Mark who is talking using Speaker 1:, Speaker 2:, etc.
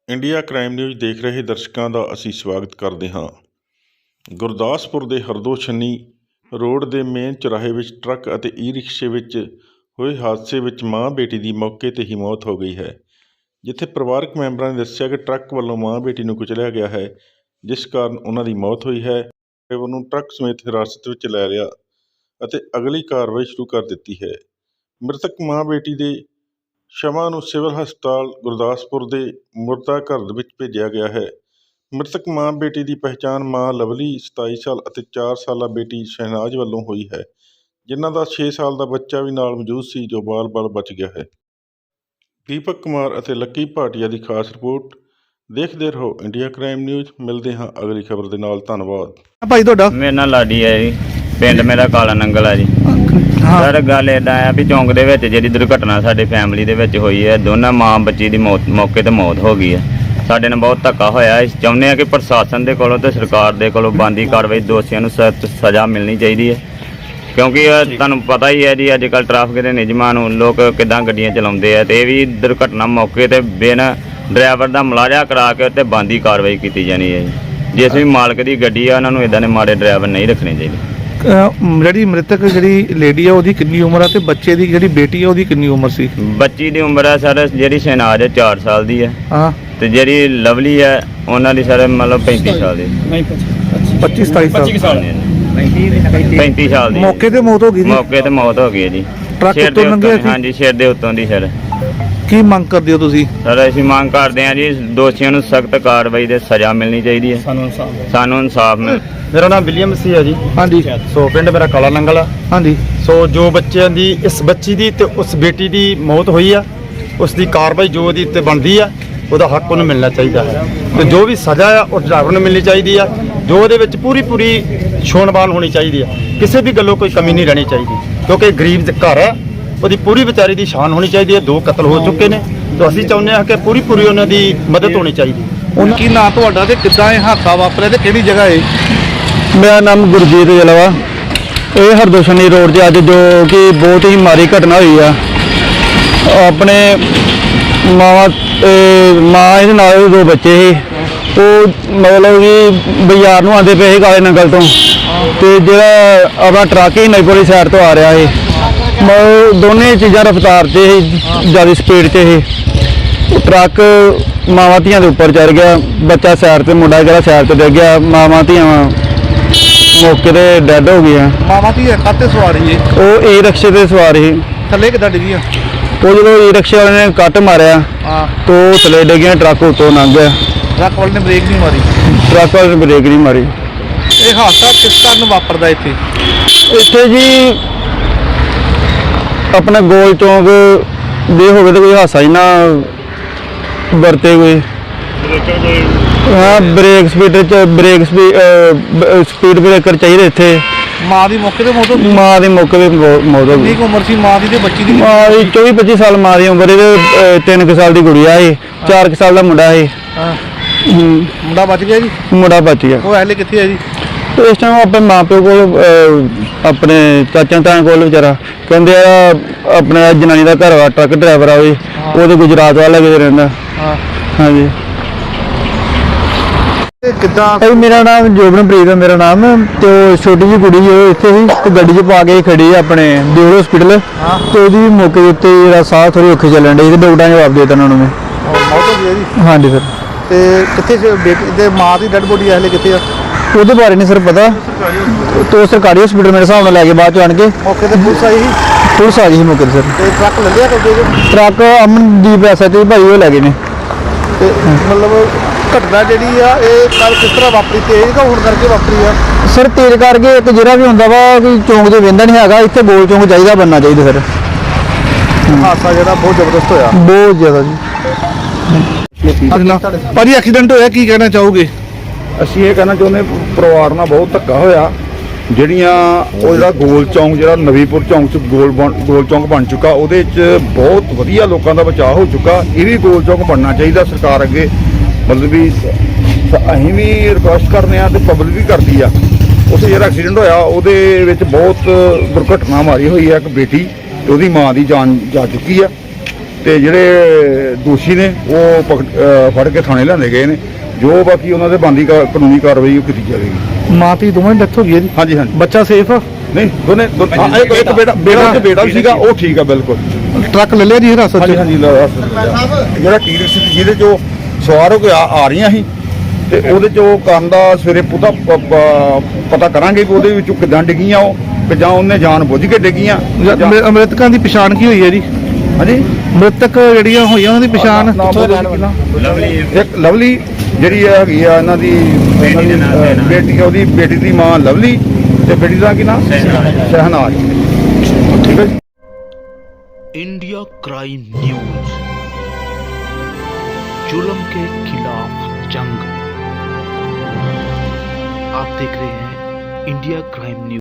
Speaker 1: India crime news ਦੇਖ ਰਹੇ ਦਰਸ਼ਕਾਂ ਦਾ ਅਸੀਂ ਸਵਾਗਤ ਕਰਦੇ ਹਾਂ। ਗੁਰਦਾਸਪੁਰ ਦੇ ਹਰਦੋ ਛੰਨੀ ਰੋਡ ਦੇ ਮੇਨ ਚੁਰਾਹੇ ਵਿੱਚ ਟਰੱਕ ਅਤੇ ਈ ਰਿਕਸ਼ੇ ਵਿੱਚ ਹੋਏ ਹਾਦਸੇ ਵਿੱਚ ਮਾਂ ਬੇਟੀ ਦੀ ਮੌਕੇ 'ਤੇ ਹੀ ਮੌਤ ਹੋ ਗਈ ਹੈ, ਜਿੱਥੇ ਪਰਿਵਾਰਕ ਮੈਂਬਰਾਂ ਨੇ ਦੱਸਿਆ ਕਿ ਟਰੱਕ ਵੱਲੋਂ ਮਾਂ ਬੇਟੀ ਨੂੰ ਕੁਚਲਿਆ ਗਿਆ ਹੈ, ਜਿਸ ਕਾਰਨ ਉਹਨਾਂ ਦੀ ਮੌਤ ਹੋਈ ਹੈ। ਡਰਾਈਵਰ ਨੂੰ ਟਰੱਕ ਸਮੇਤ ਹਿਰਾਸਤ ਵਿੱਚ ਲੈ ਲਿਆ ਅਤੇ ਅਗਲੀ ਕਾਰਵਾਈ ਸ਼ੁਰੂ ਕਰ ਦਿੱਤੀ ਹੈ। ਮ੍ਰਿਤਕ ਮਾਂ ਬੇਟੀ ਦੇ ਸ਼ਵਾਂ ਨੂੰ ਸਿਵਲ ਹਸਪਤਾਲ ਗੁਰਦਾਸਪੁਰ ਦੇ ਮੁਰਦਾ ਘਰ ਵਿੱਚ ਭੇਜਿਆ ਗਿਆ ਹੈ। ਮ੍ਰਿਤਕ ਮਾਂ ਬੇਟੀ ਦੀ ਪਹਿਚਾਣ ਮਾਂ ਲਵਲੀ 27 ਸਾਲ ਅਤੇ 4 ਸਾਲਾ ਬੇਟੀ ਸ਼ਹਿਨਾਜ਼ ਵੱਲੋਂ ਹੋਈ ਹੈ, ਜਿਨ੍ਹਾਂ ਦਾ 6 ਸਾਲ ਦਾ ਬੱਚਾ ਵੀ ਨਾਲ ਮੌਜੂਦ ਸੀ, ਜੋ ਬਾਲ-ਬਾਲ ਬਚ ਗਿਆ ਹੈ। ਦੀਪਕ ਕੁਮਾਰ ਅਤੇ ਲੱਕੀ ਭਾਟੀਆ ਦੀ ਖਾਸ ਰਿਪੋਰਟ। ਦੇਖਦੇ ਰਹੋ ਇੰਡੀਆ ਕ੍ਰਾਈਮ ਨਿਊਜ਼। ਮਿਲਦੇ ਹਾਂ ਅਗਲੀ ਖਬਰ ਦੇ ਨਾਲ। ਧੰਨਵਾਦ।
Speaker 2: ਭਾਈ ਤੁਹਾਡਾ?
Speaker 3: ਮੇਰਾ ਨਾਂ ਲਾਡੀ ਹੈ ਜੀ, ਪਿੰਡ ਮੇਰਾ ਕਾਲਾ ਨੰਗਲ ਹੈ ਜੀ। ਸਰ ਗੱਲ ਇੱਦਾਂ ਆ ਵੀ ਚੌਂਕ ਦੇ ਵਿੱਚ ਜਿਹੜੀ ਦੁਰਘਟਨਾ ਸਾਡੀ ਫੈਮਿਲੀ ਦੇ ਵਿੱਚ ਹੋਈ ਹੈ, ਦੋਨਾਂ ਮਾਂ ਬੱਚੀ ਦੀ ਮੌਕੇ 'ਤੇ ਮੌਤ ਹੋ ਗਈ ਹੈ। ਸਾਡੇ ਨਾਲ ਬਹੁਤ ਧੱਕਾ ਹੋਇਆ। ਅਸੀਂ ਚਾਹੁੰਦੇ ਹਾਂ ਕਿ ਪ੍ਰਸ਼ਾਸਨ ਦੇ ਕੋਲੋਂ ਅਤੇ ਸਰਕਾਰ ਦੇ ਕੋਲੋਂ ਬਣਦੀ ਕਾਰਵਾਈ, ਦੋਸ਼ੀਆਂ ਨੂੰ ਸਖਤ ਸਜ਼ਾ ਮਿਲਣੀ ਚਾਹੀਦੀ ਹੈ, ਕਿਉਂਕਿ ਤੁਹਾਨੂੰ ਪਤਾ ਹੀ ਹੈ ਜੀ ਅੱਜ ਕੱਲ੍ਹ ਟ੍ਰੈਫਿਕ ਦੇ ਨਿਯਮਾਂ ਨੂੰ ਲੋਕ ਕਿੱਦਾਂ ਗੱਡੀਆਂ ਚਲਾਉਂਦੇ ਆ, ਅਤੇ ਇਹ ਵੀ ਦੁਰਘਟਨਾ ਮੌਕੇ 'ਤੇ ਬਿਨਾਂ ਡਰਾਈਵਰ ਦਾ ਮੁਲਾਜ਼ਾ ਕਰਾ ਕੇ ਉੱਤੇ ਬਣਦੀ ਕਾਰਵਾਈ ਕੀਤੀ ਜਾਣੀ ਹੈ ਜੀ। ਜਿਸ ਵੀ ਮਾਲਕ ਦੀ ਗੱਡੀ ਆ ਉਹਨਾਂ ਨੂੰ ਇੱਦਾਂ ਦੇ ਮਾੜੇ ਡਰਾਈਵਰ ਨਹੀਂ ਰੱਖਣੇ ਚਾਹੀਦੇ।
Speaker 2: ਜਿਹੜੀ ਮ੍ਰਿਤਕ ਜਿਹੜੀ ਲੇਡੀ ਆ ਉਹਦੀ ਕਿੰਨੀ ਉਮਰ ਆ, ਤੇ ਬੱਚੇ ਦੀ ਜਿਹੜੀ ਬੇਟੀ ਆ ਉਹਦੀ ਕਿੰਨੀ ਉਮਰ ਸੀ?
Speaker 3: ਬੱਚੀ ਦੀ ਉਮਰ ਹੈ ਸਰ, ਜਿਹੜੀ ਸ਼ਹਿਨਾਜ਼ ਹੈ 4 ਸਾਲ ਦੀ ਹੈ,
Speaker 2: ਹਾਂ, ਤੇ
Speaker 3: ਜਿਹੜੀ ਲਵਲੀ ਹੈ ਉਹਨਾਂ ਦੀ ਸਰ ਮਤਲਬ 35 ਸਾਲ ਦੀ।
Speaker 2: 25 27 ਸਾਲ
Speaker 3: 35 ਸਾਲ ਦੀ
Speaker 2: ਮੌਕੇ ਤੇ ਮੌਤ ਹੋ ਗਈ।
Speaker 3: ਮੌਕੇ ਤੇ ਮੌਤ ਹੋ ਗਈ ਹੈ ਜੀ।
Speaker 2: ਟਰੱਕ ਉੱਤੋਂ ਲੰਘਿਆ ਸੀ?
Speaker 3: ਹਾਂਜੀ, ਸਿਰ ਦੇ ਉੱਤੋਂ ਦੀ ਸਰ।
Speaker 2: ਕੀ ਮੰਗ ਕਰਦੇ ਹੋ ਤੁਸੀਂ?
Speaker 3: ਸਰ ਅਸੀਂ ਮੰਗ ਕਰਦੇ ਹਾਂ ਜੀ, ਦੋਸ਼ੀਆਂ ਨੂੰ ਸਖਤ ਕਾਰਵਾਈ ਦੇ ਸਜ਼ਾ ਮਿਲਣੀ ਚਾਹੀਦੀ ਹੈ। ਸਾਨੂੰ ਇਨਸਾਫ ਮਿਲ।
Speaker 4: ਮੇਰਾ ਨਾਮ ਵਿਲੀਅਮ ਸੀ ਹੈ ਜੀ।
Speaker 2: ਹਾਂਜੀ।
Speaker 4: ਸੋ ਪਿੰਡ ਮੇਰਾ ਕਾਲਾ ਨੰਗਲ ਆ।
Speaker 2: ਹਾਂਜੀ।
Speaker 4: ਸੋ ਜੋ ਬੱਚਿਆਂ ਦੀ, ਇਸ ਬੱਚੀ ਦੀ ਤੇ ਉਸ ਬੇਟੀ ਦੀ ਮੌਤ ਹੋਈ ਆ, ਉਸ ਦੀ ਕਾਰਵਾਈ ਜੋ ਉਹਦੀ ਉੱਤੇ ਬਣਦੀ ਆ, ਉਹਦਾ ਹੱਕ ਉਹਨੂੰ ਮਿਲਣਾ ਚਾਹੀਦਾ ਹੈ, ਤੇ ਜੋ ਵੀ ਸਜ਼ਾ ਆ ਉਹ ਡਰਾਈਵਰ ਨੂੰ ਮਿਲਣੀ ਚਾਹੀਦੀ ਆ, ਜੋ ਉਹਦੇ ਵਿੱਚ ਪੂਰੀ ਛੋਣਬਾਨ ਹੋਣੀ ਚਾਹੀਦੀ ਆ, ਕਿਸੇ ਵੀ ਗੱਲੋਂ ਕੋਈ ਕਮੀ ਨਹੀਂ ਰਹਿਣੀ ਚਾਹੀਦੀ, ਕਿਉਂਕਿ ਗਰੀਬ ਘਰ ਆ, ਉਹਦੀ ਪੂਰੀ ਵਿਚਾਰੀ ਦੀ ਸ਼ਾਨ ਹੋਣੀ ਚਾਹੀਦੀ ਹੈ। 2 ਕਤਲ ਹੋ ਚੁੱਕੇ ਨੇ, ਤਾਂ ਅਸੀਂ ਚਾਹੁੰਦੇ ਹਾਂ ਕਿ ਪੂਰੀ ਉਹਨਾਂ ਦੀ ਮਦਦ ਹੋਣੀ ਚਾਹੀਦੀ।
Speaker 2: ਉਹਨਾਂ ਕੀ ਨਾਂ ਤੁਹਾਡਾ ਤੇ ਕਿੱਦਾਂ ਇਹ ਹਾਦਸਾ ਵਾਪਰਿਆ ਤੇ ਕਿਹੜੀ ਜਗ੍ਹਾ ਹੈ?
Speaker 5: ਮੇਰਾ ਨਾਮ ਗੁਰਜੀਤ ਜਲਵਾ। ਇਹ ਹਰਦੋ ਛੰਨੀ ਰੋਡ 'ਤੇ ਅੱਜ ਜੋ ਕਿ ਬਹੁਤ ਹੀ ਮਾੜੀ ਘਟਨਾ ਹੋਈ ਆ। ਆਪਣੇ ਮਾਂ ਇਹਦੇ ਨਾਲ 2 ਬੱਚੇ ਸੀ, ਉਹ ਮਤਲਬ ਕਿ ਬਾਜ਼ਾਰ ਨੂੰ ਆਉਂਦੇ ਪਏ ਸੀ ਕਾਲੇ ਨੰਗਲ ਤੋਂ, ਤੇ ਜਿਹੜਾ ਆਪਣਾ ਟਰੱਕ ਹੀ ਨਈਪੁਰੀ ਸਾਈਡ ਤੋਂ ਆ ਰਿਹਾ ਸੀ। ਦੋਨੇ ਚੀਜ਼ਾਂ ਰਫਤਾਰ 'ਤੇ ਸੀ, ਜ਼ਿਆਦਾ ਸਪੀਡ 'ਤੇ ਸੀ। ਟਰੱਕ ਮਾਵਾਂ ਧੀਆਂ ਦੇ ਉੱਪਰ ਚੜ ਗਿਆ, ਬੱਚਾ ਸਾਈਡ 'ਤੇ, ਮੁੰਡਾ ਜਿਹੜਾ ਸਾਈਡ 'ਤੇ ਡਿੱਗ ਗਿਆ। ਮਾਵਾਂ ਧੀਆਂ ਮੌਕੇ 'ਤੇ ਡੈੱਡ ਹੋ ਗਈਆਂ।
Speaker 2: ਮਾਵਾਂ ਧੀ ਕਾਹਤੇ ਸਵਾਰ ਸੀ?
Speaker 5: ਉਹ ਈ ਰਿਕਸ਼ੇ 'ਤੇ ਸਵਾਰ ਸੀ।
Speaker 2: ਥੱਲੇ ਕਿੱਦਾਂ ਡਿੱਗੀਆਂ?
Speaker 5: ਉਹ ਜਦੋਂ ਈ ਰਿਕਸ਼ੇ ਵਾਲੇ ਨੇ ਕੱਟ ਮਾਰਿਆ ਤਾਂ ਉਹ ਥੱਲੇ ਡਿੱਗੀਆਂ, ਟਰੱਕ ਉੱਤੋਂ ਲੰਘ ਗਿਆ।
Speaker 2: ਟਰੱਕ ਵਾਲੇ ਨੇ ਬ੍ਰੇਕ ਨਹੀਂ ਮਾਰੀ?
Speaker 5: ਟਰੱਕ ਵਾਲੇ ਨੇ ਬ੍ਰੇਕ ਨਹੀਂ ਮਾਰੀ।
Speaker 2: ਇਹ ਹਾਦਸਾ ਕਿਸ ਕਾਰਨ ਵਾਪਰਦਾ ਇੱਥੇ
Speaker 5: ਜੀ? ਆਪਣਾ ਗੋਲ ਚੌਂਕ ਦੇ ਹੋਵੇ ਤਾਂ ਕੋਈ ਹਾਦਸਾ ਹੀ ਨਾ ਵਰਤੇ ਕੋਈ। ਹਾਂ, ਸਪੀਡ ਬ੍ਰੇਕਰ ਚਾਹੀਦੇ ਇੱਥੇ।
Speaker 2: ਮਾਂ ਦੀ ਮੌਕੇ ਤੇ ਮੌਤ ਹੋ ਗਈ?
Speaker 5: ਮਾਂ ਦੀ ਮੌਕੇ ਤੇ ਮੌਤ ਹੋ ਗਈ।
Speaker 2: ਕਿੰਨੀ ਉਮਰ ਸੀ ਮਾਂ ਦੀ ਤੇ ਬੱਚੀ ਦੀ?
Speaker 5: ਮਾਂ ਦੀ 24-25 ਸਾਲ ਮਾਂ ਦੀ ਉਮਰ। ਇਹਦੇ 3 ਸਾਲ ਦੀ ਗੁੜੀਆ ਸੀ, 4 ਸਾਲ ਦਾ ਮੁੰਡਾ ਸੀ।
Speaker 2: ਮੁੰਡਾ ਬਚ ਗਿਆ ਜੀ?
Speaker 5: ਮੁੰਡਾ ਬਚ ਗਿਆ।
Speaker 2: ਉਹ ਹਲੇ ਕਿੱਥੇ ਹੈ ਜੀ?
Speaker 5: ਇਸ ਟਾਈਮ ਆਪਣੇ ਮਾਂ ਪਿਓ ਕੋਲ, ਆਪਣੇ ਚਾਚਾ ਤਾਇਆ ਕੋਲ ਵਿਚਾਰਾ। ਕਹਿੰਦੇ ਆ ਆਪਣੇ ਜਨਾਨੀ ਦਾ ਘਰ ਵਾ, ਟਰੱਕ ਡਰਾਈਵਰ ਆ ਉਹਦੇ ਗੁਜਰਾਤ ਵਾਲਾ ਕਿਤੇ ਰਹਿੰਦਾ। ਹਾਂਜੀ।
Speaker 2: ਕਿੱਦਾਂ?
Speaker 5: ਮੇਰਾ ਨਾਮ ਜੋਬਨਪ੍ਰੀਤ ਹੈ ਮੇਰਾ ਨਾਮ, ਤੇ ਉਹ ਛੋਟੀ ਜਿਹੀ ਕੁੜੀ ਉਹ ਇੱਥੇ ਸੀ, ਤੇ ਗੱਡੀ 'ਚ ਪਾ ਕੇ ਖੜੀ ਆਪਣੇ ਦਿਓਲ ਹਸਪੀਟਲ, ਤੇ ਉਹਦੀ ਵੀ ਮੌਕੇ ਦੇ ਉੱਤੇ ਜਿਹੜਾ ਸਾਹ ਥੋੜੀ ਔਖੇ ਚੱਲਣ ਡਈ, ਤੇ ਡਾਕਟਰਾਂ ਨੇ ਜਵਾਬ ਦੇ ਦਿੱਤਾ ਉਹਨਾਂ ਨੂੰ।
Speaker 2: ਮੌਤ ਹੋ ਗਈ ਹੈ ਜੀ?
Speaker 5: ਹਾਂਜੀ ਸਰ।
Speaker 2: ਤੇ ਕਿੱਥੇ ਬੇਟੀ ਤੇ ਮਾਂ ਦੀ ਡੈਡ ਬੋਡੀ ਹਲੇ ਕਿੱਥੇ ਆ?
Speaker 5: ਉਹਦੇ ਬਾਰੇ ਨਹੀਂ ਸਰ ਪਤਾ, ਤੇ ਸਰਕਾਰੀ ਹਸਪੀਟਲ ਮੇਰੇ ਹਿਸਾਬ ਨਾਲ ਲੈ ਕੇ ਬਾਅਦ 'ਚ ਆਣ ਕੇ।
Speaker 2: ਮੌਕੇ ਤੇ ਪੁਲਿਸ ਆਈ ਸੀ?
Speaker 5: ਪੁਲਿਸ ਆ ਗਈ ਸੀ ਮੌਕੇ 'ਤੇ ਸਰ।
Speaker 2: ਤੇ ਟਰੱਕ ਲੱਲਿਆ ਕਬਜ਼ੇ 'ਚ?
Speaker 5: ਟਰੱਕ ਅਮਨਦੀਪ ਐਸਾ ਤੇ ਭਾਈ ਉਹ ਲੈ ਗਏ ਨੇ।
Speaker 2: ਤੇ ਮਤਲਬ ਘਟਨਾ ਜਿਹੜੀ ਆ ਇਹ ਕੱਲ ਕਿਸ ਤਰ੍ਹਾਂ ਵਾਪਰੀ? ਤੇਜ਼ ਕਿ ਹੋਣ ਕਰਕੇ ਵਾਪਰੀ ਆ?
Speaker 5: ਸਰ ਤੇਜ਼ ਕਰਕੇ ਇੱਕ ਜਿਹੜਾ ਵੀ ਹੁੰਦਾ ਵਾ ਕੋਈ ਚੌਂਕ 'ਚ ਵਹਿੰਦਾ ਨਹੀਂ ਹੈਗਾ, ਇੱਥੇ ਗੋਲ ਚੌਂਕ ਚਾਹੀਦਾ, ਬਣਨਾ ਚਾਹੀਦਾ ਸਰ।
Speaker 2: ਹਾਦਸਾ ਜਿਹੜਾ ਬਹੁਤ ਜ਼ਬਰਦਸਤ ਹੋਇਆ।
Speaker 5: ਬਹੁਤ ਜ਼ਿਆਦਾ ਜੀ।
Speaker 2: ਭਾਜੀ ਐਕਸੀਡੈਂਟ ਹੋਇਆ, ਕੀ ਕਹਿਣਾ ਚਾਹੋਗੇ?
Speaker 6: ਅਸੀਂ ਇਹ ਕਹਿਣਾ ਚਾਹੁੰਦੇ, ਪਰਿਵਾਰ ਨਾਲ ਬਹੁਤ ਧੱਕਾ ਹੋਇਆ। ਜਿਹੜੀਆਂ ਉਹ ਜਿਹੜਾ ਗੋਲ ਚੌਂਕ, ਜਿਹੜਾ ਨਵੀਂਪੁਰ ਚੌਂਕ 'ਚ ਗੋਲ ਚੌਂਕ ਬਣ ਚੁੱਕਾ, ਉਹਦੇ 'ਚ ਬਹੁਤ ਵਧੀਆ ਲੋਕਾਂ ਦਾ ਬਚਾਅ ਹੋ ਚੁੱਕਾ। ਇਹ ਵੀ ਗੋਲ ਚੌਂਕ ਬਣਨਾ ਚਾਹੀਦਾ ਸਰਕਾਰ ਅੱਗੇ। ਮਤਲਬ ਵੀ ਅਸੀਂ ਵੀ ਰਿਕੁਐਸਟ ਕਰਦੇ ਹਾਂ, ਤੇ ਪਬਲਿਕ ਵੀ ਕਰਦੀ ਆ। ਉੱਥੇ ਜਿਹੜਾ ਐਕਸੀਡੈਂਟ ਹੋਇਆ ਉਹਦੇ ਵਿੱਚ ਬਹੁਤ ਦੁਰਘਟਨਾ ਮਾਰੀ ਹੋਈ ਹੈ। ਇੱਕ ਬੇਟੀ ਤੇ ਉਹਦੀ ਮਾਂ ਦੀ ਜਾਨ ਜਾ ਚੁੱਕੀ ਆ। ਤੇ ਜਿਹੜੇ ਦੋਸ਼ੀ ਨੇ ਉਹ ਫੜ ਕੇ ਥਾਣੇ ਲਿਆਂਦੇ ਗਏ ਨੇ। ਜੋ ਬਾਕੀ ਉਹਨਾਂ ਦੇ ਬਣਦੀ ਕਾਨੂੰਨੀ ਕਾਰਵਾਈ ਉਹ ਕੀਤੀ ਜਾਵੇਗੀ।
Speaker 2: ਮਾਂ ਧੀ ਦੋਵਾਂ ਦੀ ਡੈਥ ਹੋ ਗਈ ਹੈ ਜੀ।
Speaker 6: ਹਾਂਜੀ ਹਾਂਜੀ।
Speaker 2: ਬੱਚਾ ਸੇਫ ਆ?
Speaker 6: ਨਹੀਂ ਦੋਨੇ ਹਾਂ, ਇੱਕ ਬੇਟਾ ਸੀਗਾ ਉਹ ਠੀਕ ਆ ਬਿਲਕੁਲ।
Speaker 2: ਟਰੱਕ ਲੈ ਲਿਆ ਜੀ ਹਿਰਾਸਤ
Speaker 6: ਹਾਂਜੀ
Speaker 2: 'ਚ?
Speaker 6: ਹਾਂਜੀ ਜਿਹੜਾ ਟੀਰਕਸ ਜਿਹਦੇ 'ਚ ਉਹ ਸਵਾਰ ਹੋ ਕੇ ਆ ਰਹੀਆਂ ਸੀ ਤੇ ਉਹਦੇ 'ਚ ਉਹ ਕਰਨ ਦਾ ਸਵੇਰੇ ਪਤਾ ਕਰਾਂਗੇ ਕਿ ਉਹਦੇ ਵਿੱਚੋਂ ਕਿੱਦਾਂ ਡਿੱਗੀਆਂ ਉਹ, ਕਿ ਜਾਂ ਉਹਨੇ ਜਾਣ ਬੁੱਝ ਕੇ ਡਿੱਗੀਆਂ।
Speaker 2: ਮ੍ਰਿਤਕਾਂ ਦੀ ਪਛਾਣ ਕੀ ਹੋਈ ਹੈ ਜੀ?
Speaker 6: ਹਾਂਜੀ
Speaker 2: ਮ੍ਰਿਤਕ ਜਿਹੜੀਆਂ ਹੋਈਆਂ ਉਹਨਾਂ ਦੀ ਪਛਾਣ?
Speaker 6: ਇੱਕ ਲਵਲੀ ਜਿਹੜੀ ਹੈਗੀ ਆ ਇਹਨਾਂ ਦੀ ਬੇਟੀ, ਉਹਦੀ ਬੇਟੀ ਦੀ ਮਾਂ ਲਵਲੀ ਤੇ ਬੇਟੀ ਦਾ ਕੀ ਨਾਮ ਸ਼ਹਿਨਾਜ਼। ਠੀਕ ਹੈ ਜੀ।
Speaker 7: इंडिया क्राइम न्यूज, जुल्म के खिलाफ जंग। आप देख रहे हैं इंडिया क्राइम न्यूज।